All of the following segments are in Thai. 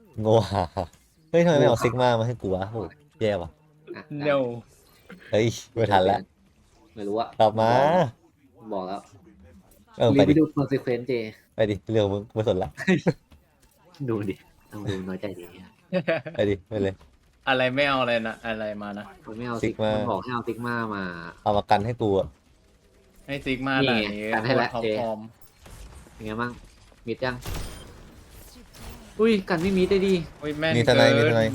โง่หาเฮ้ยทำไมไม่เอาซิกมามาให้กูวะโหแย่ว่ะอ่ะได้ no เฮ้ยไม่ทันแล้วไม่รู้อะกลับมาบอกแล้วไปรีบไปดิดู consequence เจไปดิเรื่องมึงไม่สนละดูดิต้องดูน้อยใจดีอะไปดิไปเลยอะไรไม่เอาอะไรนะอะไรมานะมันไม่เอา Sigma มันบอกให้เอาซิกมามาเอามากันให้กูอะให้ซิกมานี่ด่าไงนี้กันให้แล้วท็อปเจ๊ฟอร์มเป็นไงบ้างมิดยังอุ้ยกันไม่มิดได้ดีอุ้ยแม่นมีทนายมีเกิทนาย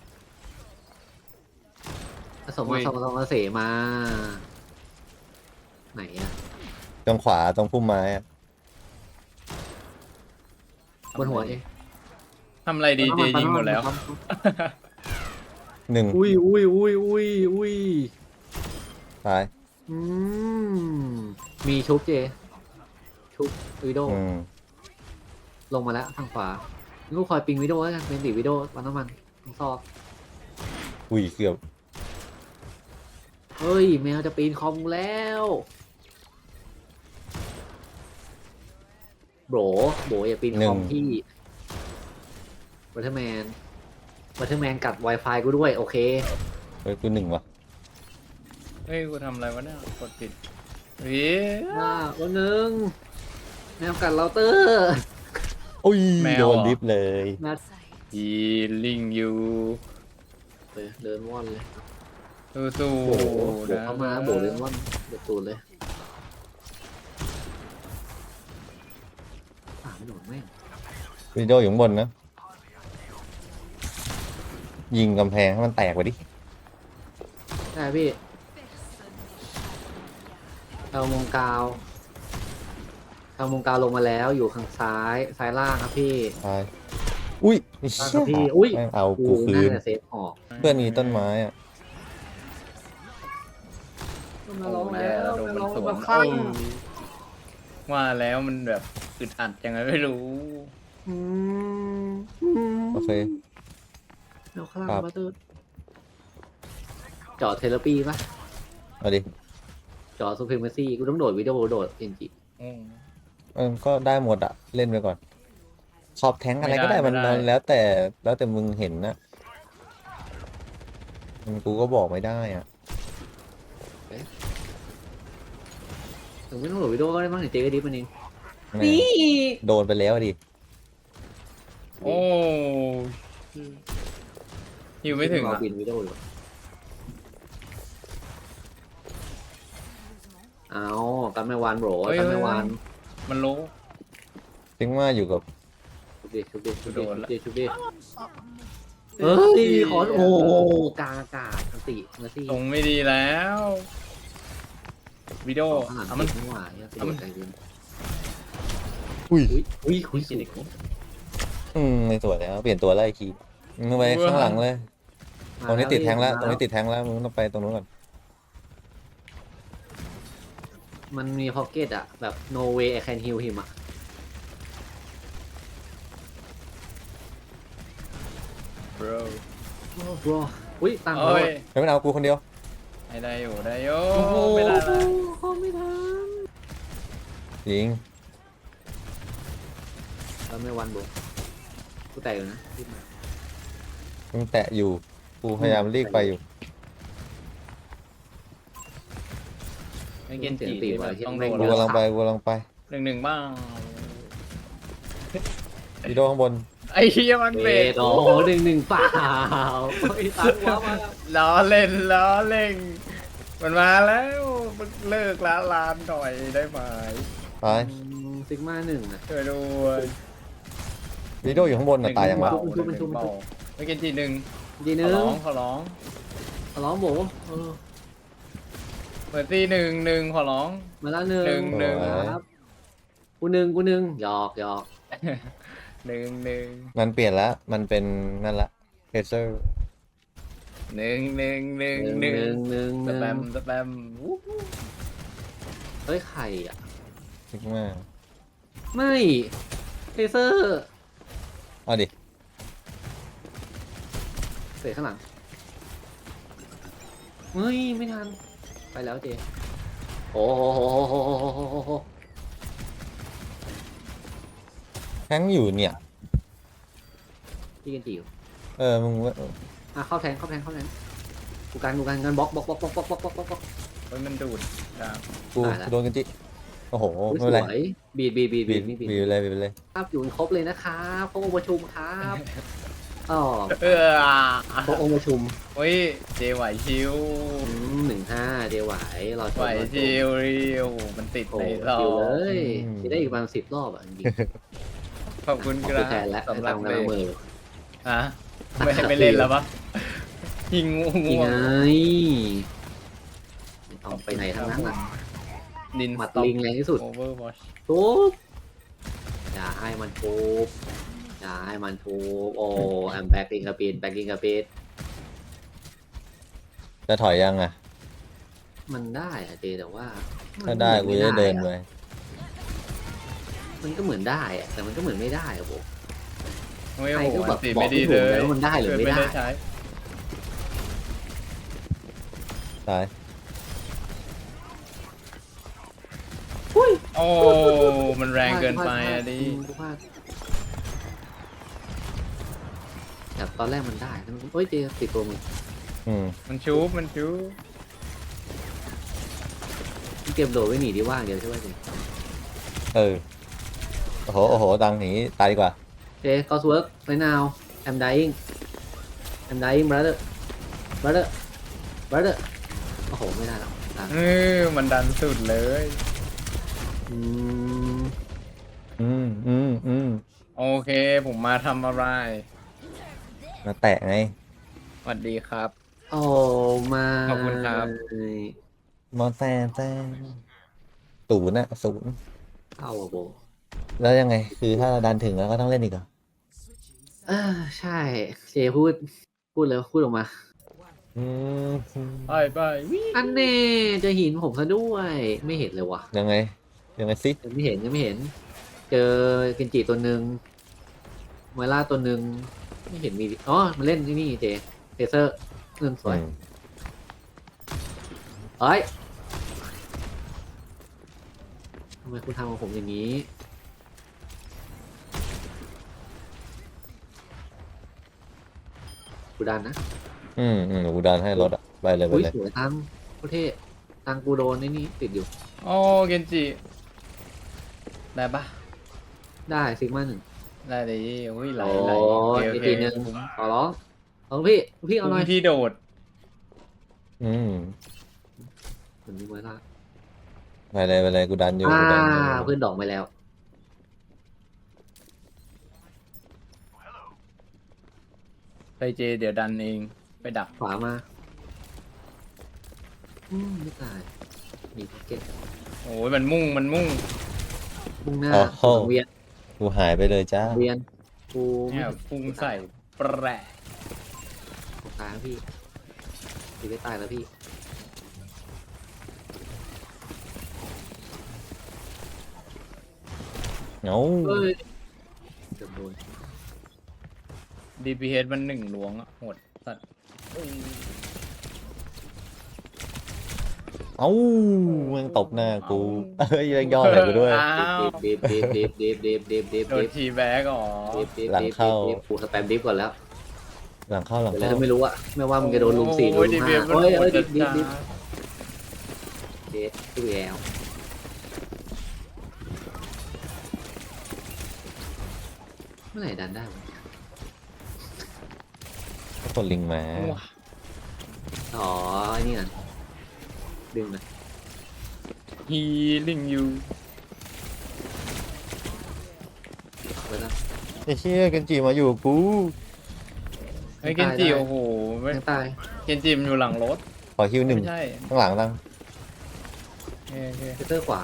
ผสมมาสองเสมา ไหนอะตรงขวาตรงพุ่มไม้อะบนหัวเองทำอะไรดีเจยิงหมดแล้วหนึ่งอุ้ยอุ้ยอุ้ยอุ้ยอุ้ยตายอืมมีชุบเจ ชุบวิดีโออืมลงมาแล้วทางขวาลูกคอยปิงวิดีโอแล้วกันเป็นติวิดีโอวันน้ำมันต้องซอกอุ้ยเกือบเฮ้ย แมวจะปีนคอมแล้วโบอย่าปีนคอมพี่บัตเทอร์แมนกัด Wi-Fi กูด้วย โอเคเฮ้ยกูหนึ่งว่ะเฮ้ยกูทำอะไรวะเนี่ยกดผิดเฮ้ยวันหนึ่งแมวกัดเราเตอร์อุ้ยแมวโดเหรอนดิฟเลยแมวฮีลิงยูเดินว่อนเลยสู้โบๆนะเข้ามาโบเดินว่อนเดือดตูดเลยไม่โดนแม่งวิดีโออยู่ข้างบนนะ ยิงกำแพงให้มันแตกไปดิได้พี่เอามงกาวลงมาแล้วอยู่ข้างซ้ายล่างครับพี่ตายอุ้ยไอ้ล่างเชี่ครัยบพี่อุ้ยแม่งเอากูกูคืน่าน จะเซฟออกเพื่อนมีต้นไม้อะมาลงแล้วโดนมาลมันงสวมาน ข้างว่าแล้วมันแบบอึดอัดยังไงไม่รู้โอเคเอาข้างครับมาเตอร์จอดเทเลปีปะเอาดิจอดซูเปอร์เมซี่กูต้องโดดวิดีโอโดดเอ็นจีอืมก็ได้หมดอะเล่นไปก่อน ขอบแทงอะไรไม่ได้ก็ได้มันไม่ได้แล้วแต่มึงเห็นนะกูก็บอกไม่ได้อะถึงไม่ต้องโหลดวิดีโอก็ได้มั้งเดี๋ยวเจ๊ก็ดิฟมันเองแม่โดนไปแล้วดิโอ้อยู่ไม่ถึงเราอ่ะบินวิดีโออยู่เอากันไม่วานโบรกันไม่วานมันโลถึงว่าอยู่กับชุบดิเฮ้ยขอโอ้กลางอากาศอันติเมอร์ซี่ตรงไม่ดีแล้ววิดีโอข้างหลังเอามันไม่ไหวอะติดใจเย็นอุ้ยอุ้ยสุดไม่สวยแล้วเปลี่ยนตัวไล่คีมึงไปข้างหลังเลย ตรงนี้ติดแทงแล้วตรงนี้ติดแทงแล้วมึงต้องไปตรงนู้นก่อนมันมีพ็อกเก็ตอะแบบ no way I can heal him อะ bro บรอุ้ยตังค์เอ้ยไม่เป็นเอากูคนเดียวให้ได้อยู่ได้อยู่โอ้โหไม่ได้ละเขาไม่ทันยิงแล้วไม่วันบุกกูแตกอยู่นะรีบมามึงแตะอยู่กูพยายามรีบไปอยู่ไม่เกนจีที่แบบต้องโดนกูกำลังไปหนึ่งบ้างวิดีโอข้างบนไอ้เหี้ยมันเบรกโอ้โห1-1เปล่าไอ้ตังค์ว้ามาล้อเล่นมันมาแล้วมึงเลิกละลานหน่อยได้ไหมตายซิกมาหนึ่งอะช่วยด้วยวิดีโออยู่ข้างบนน่ะตายยังวะเบาหนึ่งเบาไม่เกนจีหนึ่งดีขนึอง ร้องขอร้องร้องโบเออเปิดตีหนึ่งขอร้องมาแล้วหนึ่งหนึ่งครับกูหนึ่งหยอกหนึ่งมันเปลี่ยนแล้วมันเป็นนั่นละเฮเซอร์หนึ่ง สแปมวู้ฮู้เฮ้ยไข่อะซิกมาไม่เทเซอร์เอาดิเสียข้างหลังเฮ้ยไม่ทันไปแล้วเจโอ้โหแทงอยู่เนี่ยพี่กันจิ๋วมึงว่าเข้าแทงกูกันกันบล็อกเฮ้ยมันดูดครับกูตายแล้วโดนกันจิโอ้โหอุ๊ยไม่เป็นไรสวยบีดบีบนี่บีบีบดไปเลยบีบไปเลยครับอยู่กันครบเลยนะครับพวกองค์ประชุมครับอ๋อเออพวกองค์ประชุมเฮ้ยเจไหวชิว 15เดี๋ยวไหวรอชไหวมชิวเรียวมันติดโอ้ในโหซอชิวเลงยจะได้อีกประมาณ10 รอบอ่ะจริงขอบคุณๆขคอบรัคุณแทนและบสำหรับทำเบกำลังรมือฮะไม่เล่นแล้วปะยิงงูนี่ง่วไงงไม่ต้องไปไหนทั้งนั้นอ่ะดินหมัดลิงแรงที่สุดโอเวอร์วอชทุบอย่าให้มันทุบอย่าให้มันทุบโอ้แอมแบ็กลิงกระปีดแบ็กลิงกระปีดจะถอยยังอ่ะมันได้อะเจแต่ว่าถ้าได้กูจะเดินไปมันก็เหมือนได้อะแต่มันก็เหมือนไม่ได้อะผมโอ้ยใครโอ้โหก็แบบติบอกไม่ดีไม่เลถูกยเลยว่ามันได้หรือไม่ได้ใช้ตายโอ้มันแรงเกินไปอะดิกูพลาดแต่ตอนแรกมันได้แล้วมันเฮ้ยเจติดตัวมึงมันชูบมันชูบมึงเก็บโดดไว้หนีดีว่างเดียวใช่ไหมเจโอ้โหดังหนีตายดีกว่าเจก็สเวิร์กไรนาวแอมdying brotherโอ้โหไม่ได้หรอกอ่ะมันดันสุดเลยอืมโอเคผมมาทำอะไรมาแตะไงสวัสดีครับโอ้มาขอบคุณครับมอแซนแซนศูนย์อะศูนย์เข้าอะโบแล้วยังไง คือถ้าดันถึงแล้วก็ต้องเล่นอีกเหรอใช่เจพูดเลยพูดออกมาอืมไปไปวิอันเน่เจอหินผมซะด้วยไม่เห็นเลยว่ะยังไงสิยังไม่เห็นเจอกินจิตัวหนึ่งไมล่าตัวหนึ่งไม่เห็นมีอ๋อมันเล่นที่นี่เจเทเซอร์เงินสวยเอ้ยทำไมคุณทำกับผมอย่างนี้กูดันนะกูดันให้รถอะไปเลยอุ้ยสวยตังโคตรเท่ตังกูโดนไอ้นี่ติดอยู่โอ้เกนจิได้ปะได้ซิกมาหนึ่งได้เลยอุ้ยไหลโอ้ไหลยอีกทีหนึ่งขอร้องพี่เอาหน่อยที่โดดเหมือนมีไวล่าไปเลยกูดันอยู่อ่ากูดันอยู่เพื่อนดอกไปแล้วไปเจเดี๋ยวดันเองไปดักขวามาไม่ตายมีพ็อกเก็ตโอ้ยมันมุ่งมุ่งหน้าโอ้สังเวียนกูหายไปเลยจ้าสังเวียนกูเนี่ยพุ่งใส่แปรผมตายแล้วพี่ไม่ตายแล้วพี่เงาเฮ้ยเกือบโดน DPH มันหนึ่งหลวงอะโหดสัตว์เอ้ามึงตบหน้ากูยังย่อเลยกูด้วยอ้าวเดฟโดนทีแบ็กอ๋อหลังเข้ากูสแปมดิฟก่อนแล้วหลังเข้าเดี๋ยวถ้าไม่รู้อะไม่ว่ามึงจะโดนลุม4ลุโอ้ยม DPH 5 มันเฮ้ยโหดดิจัฟดดิฟจ้าดิฟเดฟตู้แอลเมื่อไหร่ดันได้วะคนลิงมาอ๋อไอ้นี่น่ะดึงนะฮีลิงยูไว้แล้วไอ้เชี่ยกันจีมาอยู่กับกูไอ้เกนจิโอ้โหยังตายเกนจิมันอยู่หลังรถขอคิวหนึ่งไม่ใช่ข้างหลังตั้งโอเคเซเตอร์ขวา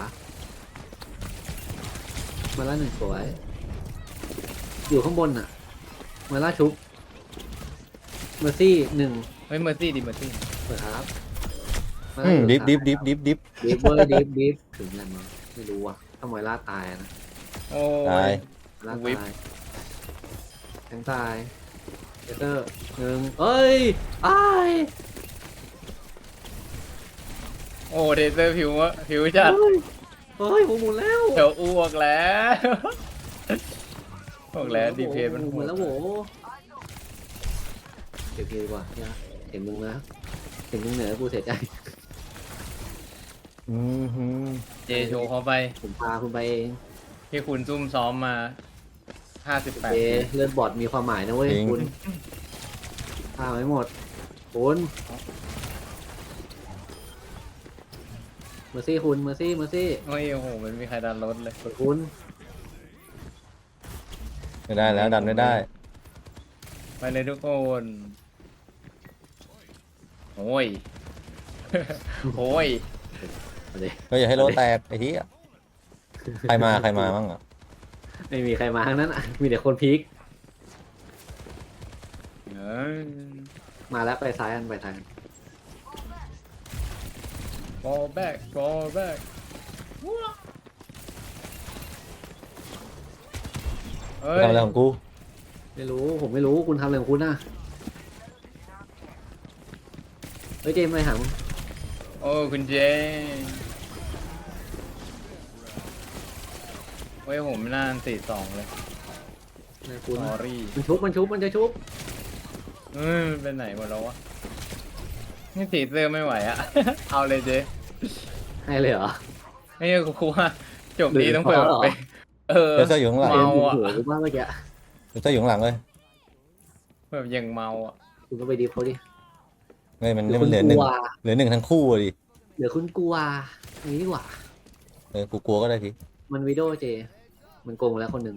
มาล่าหนึ่งสวย อยู่ข้างบนน่ะ มาล่าชุบเมอร์ซี่หนึ่งเฮ้ยเมอร์ซี่ดิเมอร์ซี่เปิดครับมาอืล่าม อยู่ดิฟซ้าย Dạ. ดิฟดิฟเวอร์ดิฟถึงแล้วมั้งไม่รู้อ่ะถ้ามาล่าตายนะโอ้ตายยมาล่าวิปตายแทงตายเซเตอร์หนึ่งเอ้ยอ้ายโอ้เทเซอร์ผิวจัดเฮ้ยผมหมุนแล้วเดี๋ยวอ้วกแล้วบอกแล้วดีเพมันหโหมุนดแล้วโหเดี๋ยวพี่ดีกว่าเนี่ยเห็นมึงแล้วเห็นมึงเหนือกูเสียใจอืมฮึเจโชว์เขาไปผมพาคุณไปเองที่คุณซุ่มซ้อมมา58 เจเลือดบอดมีความหมายนะเว้ยคุณพาไม่หมดคุณเมอร์ซี่คุณเมอร์ซี่เมอร์ซี่โอ้ยโอ้โหมันมีใครดันรถเลยคุณไม่ได้แล้วดันไม่ได้ไปเลยทุกคนโอ้ย โอ้ยเอาดิก็อย่าให้โลแตกไอ้ที่ใครมาบ้างอ่ะไม่มีใครมาทั้งนั้นอ่ะมีแต่คนพีคเอ้ยมาแล้วไปซ้ายกันไปทาง fall back fall back เฮ้ยทำอะไรของกูไม่รู้ผมไม่รู้คุณทำอะไรของคุณน่ะเฮ้ยเจมส์ไปหามึงโอ้คุณเจเฮ้ยผมน่า42เลยนะคุณ sorry มันจะชุบมันเป็นไหนหมดแล้ววะนี่สีเสื้อไม่ไหวอะ เอาเลยเจให้เลยเหรอไอ้กูว่าจบนี้ต้องเปิดเหรอไปเออเดี๋ยวเสื้ออยู่ข้างหลังเจมเมาส์อยู่อะหัวกูมากเมื่อกี้เดี๋ยวเสื้ออยู่ข้างหลังเลยแบบยังเมาอ่ะคุณก็ไปดีฟเขาดิเฮ้ยมันเดี๋ยวมัคุนณเหลือก หลันึ่งวเหลือหนึ่งทั้งคู่อะดิเดี๋ยวคุณกลัวอย่างนี้ดีกว่ากูกลัวก็ได้ทีมันวิดีโอเจ มันโกงแล้วคนหนึ่ง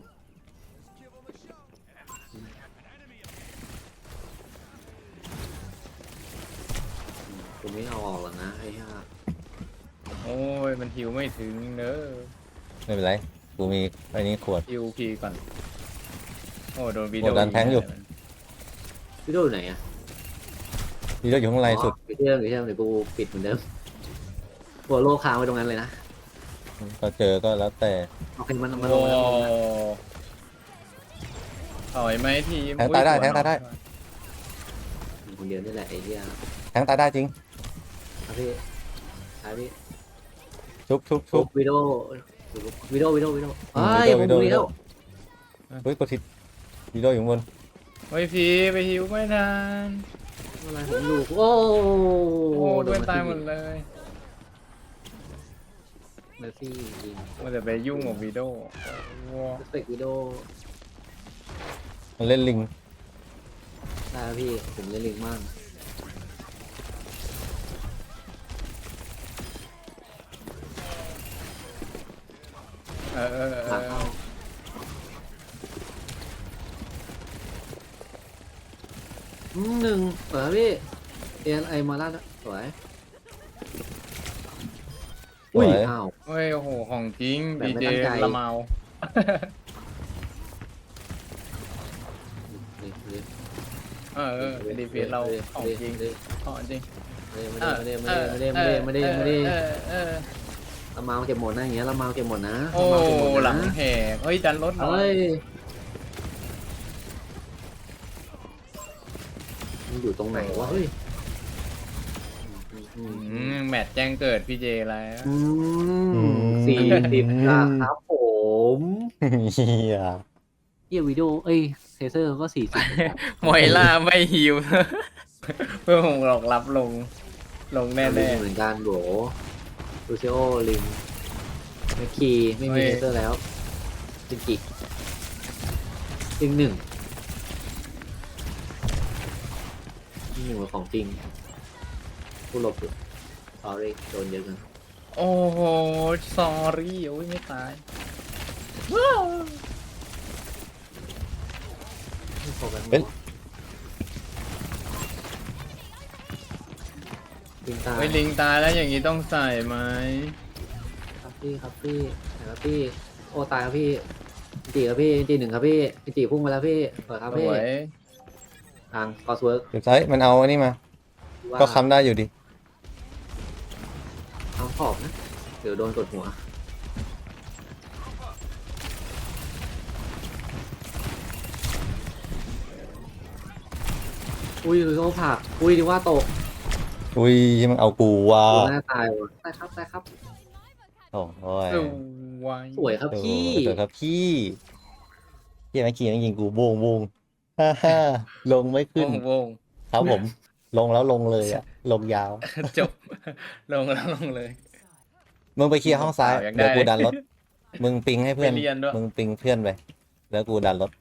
ผมไม่เอาออกหรอกนะไอ้ห่าโอ้ยมันหิวไม่ถึงเนอะไม่เป็นไรกูมีไอ้นี้ขวดฮิวพีก่อนโอ้โดนวีโอ้ดันแทงอยู่วิดีโออยู่ไหนอะนี่ก็อยู่ข้างในสุดไปเชื่อมเดี๋ยวกูปิดเหมือนเดิมหัวโลค้างไว้ตรงนั้นเลยนะก็เจอก็แล้วแต่โอเคมันลโอ้งแล้วถอยไหมทีมแทงตายได้อุ๊แทงตายได้คนเดียวนี่แหละไอ้เหี้ยแทงตายได้จริงครับพี่ครับพี่ชุบปุ๊บวิดีโอวิดีโอเฮ้ยผมดูแล้วเฮ้ยกดทิศวีดีโออยู่ข้างบนเฮ้ยพีไปฮิวไม่ทันอะไรผมดูโอ้โอ้โดนตายหมดเลยเมอร์ซี่ยิงมันจะไปยุ่งกับวีโดว้าสเปกวิดีโอมันเล่นลิงได้พี่ผมเล่นลิงมาก หลังเข้าหนึ่งเปิดพี่เอ็นไอมาแล้วสวยสวยอ้าวเฮ้ยโอ้โหของจริงแบบดีไม่เจตั้งใจละเมา ดีพีเราของจริงของจริงไม่ได้ละเมาเก็บหมดนะอย่างเงี้ยละเมาเก็บหมดนะโอ้ละเมาเก็บหมดนะหลังแหกเฮ้ยดันรถหน่อเฮ้ยยมันอยู่ตรงไหนวะเฮ้ยแมตช์แจ้งเกิดพี่เจแล้ว 40ครับผมเฮียเยี่ยวิดีโอเอ้ยเทเซอร์ก็40 มอยล่าไม่ฮิว เพื่อผมหลอกรับลงแน่เหมือนกันโบลูซิโอลิงแมคคีไม่มีเทเซอร์แล้วจินกิลิงหนึ่งเป็นของจริงผู้หลบอยู่ sorry โดนเยอะเกันๆโอ้โหสอรี่โอ้ยไม่ตายไม่โฟกัสลิงตายเฮ้ยลิงตายแล้วอย่างนี้ต้องใส่ไหมครับพี่ไหนครับพี่โอ้ตายครับพี่จีครับพี่จีหนึ่งครับพี่จีพุ่งมาแล้วพี่เปิดครับสพี่วยทางคอสเวิร์กเดี๋ยวซ้ายมันเอาอันนี้มา ก็ค้ำได้อยู่ดิทางขอบนะเดี๋ยวโดนกดหัวอุ้ยเขาผักอุ้ยดีว่าตกอุ้ยมันเอากูว่ะหน้าตายว่ะตายครับโอ้ยสวยสวยครับพี่สวยครับพี่เฮียเมื่อกี้นั่งยิงกูโบงฮ่าลงไม่ขึ้นวงครับผม ลงแล้วลงเลยอะลงยาวจบ ลงแล้วลงเลยมึงไปเคลียร์ห้องซ้ายยังได้เดี๋ยวกูดันรถ มึงปิงให้เพื่อนไปเรียนด้วยมึงปิงเพื่อนไป แล้วกูดันรถ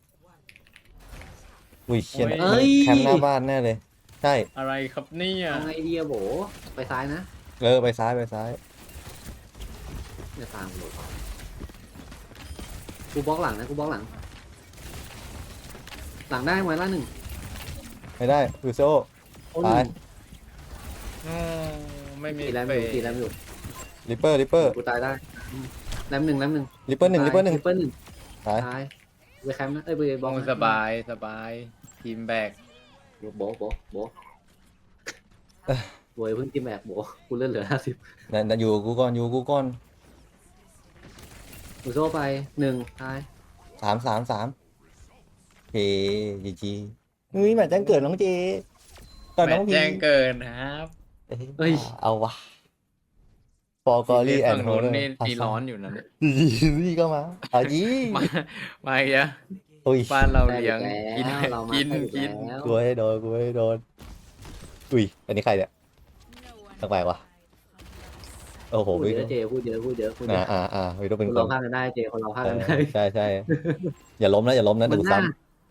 อุ้ยเชี่ยโอ้ยมันแคมป์หน้าบ้านแน่เลย ใช่อะไรครับเนี่ยเอาไงดีอะโบไปซ้ายนะไปซ้ายไปซ้ายอย่าตามโบกูบล็อกหลังนะกูบล็อกหลัง หลังได้ไว้ล่าหนึ่งไม่ได้ยูโซโอ้หตายนึ่งอืมไม่มีตีแรมเฟอยู่ตีแรมอยู่ริปเปอร์ริปเปอร์กูตายได้แรมหนึ่งริปเปอร์หนึ่งริปเปอร์หนึ่งริปเปอร์หนึ่งตายตายไปแคมป์นะเอ้ยไปบล็อกโอ้นะสบายสบาย ทีมแบกโบโบโวยเพิ่งกินแบบโบกูเลื่อนเหลือ50 นั่นอยู่กูก่อนอยู่กูก่อนกูโซ่ไปหนึ่งตาย 3 เฮ้จีจีเฮ้ยแมตช์แจ้งเกิดน้องเจก่อนแมน้อตงช์พีแจ้งเกินครับเฮ้ยเอาวะฟอร์กอรี่แอฝั่นงด์โฮนู้นเดอร์นี่ตีร้อนอยู่นะเนี่ยนี่ก็มาเอาจีมาอีกแล้วโอ้ยบ้านเราได้เลี้ยงอีกินแล้วเรามากินได้อีกินแล้วกูให้โดนกูให้โดนอุ้ยอันนี้ใครเนี่ยตั้งแปลกวะโอ้โหพูดวิเยอะเจพูดเยอะพูดเยอะพูดเยอะวิโดเป็นคนคเรานพากันได้เจคนเราพากันได้ใช่อย่าล้มนะอย่าล้มนะมัดูนน่าซ้ำ